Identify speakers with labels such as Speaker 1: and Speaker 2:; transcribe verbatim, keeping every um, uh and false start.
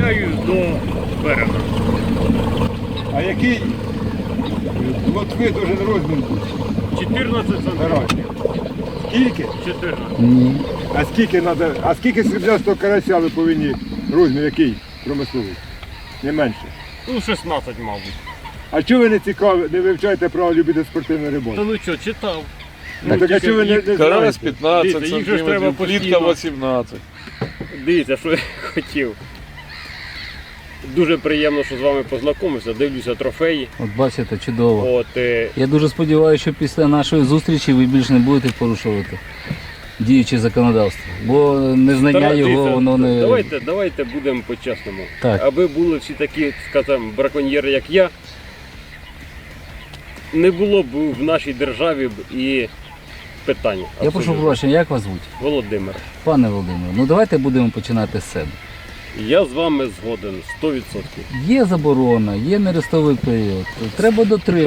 Speaker 1: доставляю до берега.
Speaker 2: А який лотви дуже розмір буде?
Speaker 1: чотирнадцять сантиметрів.
Speaker 2: Скільки?
Speaker 1: чотирнадцять.
Speaker 3: Ні.
Speaker 2: А скільки надо, а скільки сріблястого карася ви повинні, розмір який промисловий? Не менше.
Speaker 1: Ну, шістнадцять, мабуть.
Speaker 2: А чого ви не цікаві, не вивчаєте право любити спортивну
Speaker 1: Та
Speaker 2: рибалку?
Speaker 1: ну що, читав.
Speaker 2: Ну, так а чого ви не, не
Speaker 4: Карась
Speaker 2: знаєте?
Speaker 4: п'ятнадцять
Speaker 1: Дивіться, їх же ж треба
Speaker 4: сантиметрів, плітка
Speaker 1: постійно.
Speaker 4: вісімнадцять.
Speaker 1: Дивіться, що я хотів. Дуже приємно, що з вами познайомився, дивлюся трофеї.
Speaker 3: От бачите, чудово.
Speaker 1: От, е,
Speaker 3: Я дуже сподіваюся, що після нашої зустрічі ви більше не будете порушувати діюче законодавство. Бо незнання
Speaker 1: Тара-
Speaker 3: його,
Speaker 1: дивіться,
Speaker 3: воно не...
Speaker 1: Давайте, давайте будемо по-чесному.
Speaker 3: Так.
Speaker 1: Аби були всі такі, скажімо, браконьєри, як я, не було б в нашій державі б і питання.
Speaker 3: Я прошу
Speaker 1: абсолютно.
Speaker 3: пробачення, як вас звуть?
Speaker 1: Володимир,
Speaker 3: Пане Володимире, ну давайте будемо починати з себе.
Speaker 1: я з вами згоден сто відсотків.
Speaker 3: Є заборона, є нерестовий період. Треба дотримуватися.